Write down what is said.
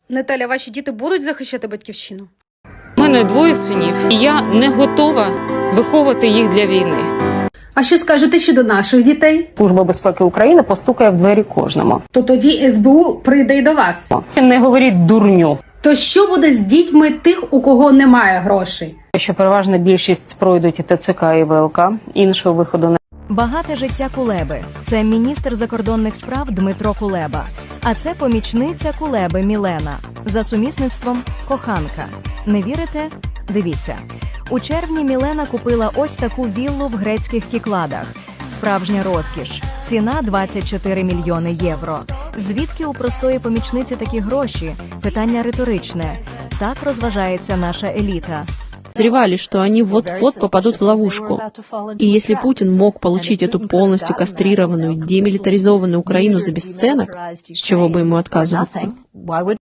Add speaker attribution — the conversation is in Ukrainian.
Speaker 1: Наталя, ваші діти будуть захищати батьківщину?
Speaker 2: У мене 2 синів, і я не готова виховувати їх для війни.
Speaker 1: А що скажете щодо наших дітей?
Speaker 3: Служба безпеки України постукає в двері кожному.
Speaker 1: То тоді СБУ прийде й до вас.
Speaker 3: Не говоріть дурню.
Speaker 1: То що буде з дітьми тих, у кого немає грошей?
Speaker 3: Що переважна більшість пройдуть і ТЦК, і ВЛК, іншого виходу не.
Speaker 4: Багате життя Кулеби – це міністр закордонних справ Дмитро Кулеба. А це помічниця Кулеби Мілена. За сумісництвом – коханка. Не вірите? Дивіться. У червні Мілена купила ось таку віллу в грецьких Кікладах. Справжня розкіш. Ціна – 24 мільйони євро. Звідки у простої помічниці такі гроші? Питання риторичне. Так розважається наша еліта.
Speaker 5: Подозревали, что они вот-вот попадут в ловушку. И если Путин мог получить эту полностью кастрированную, демилитаризованную Украину за бесценок, с чего бы ему отказываться?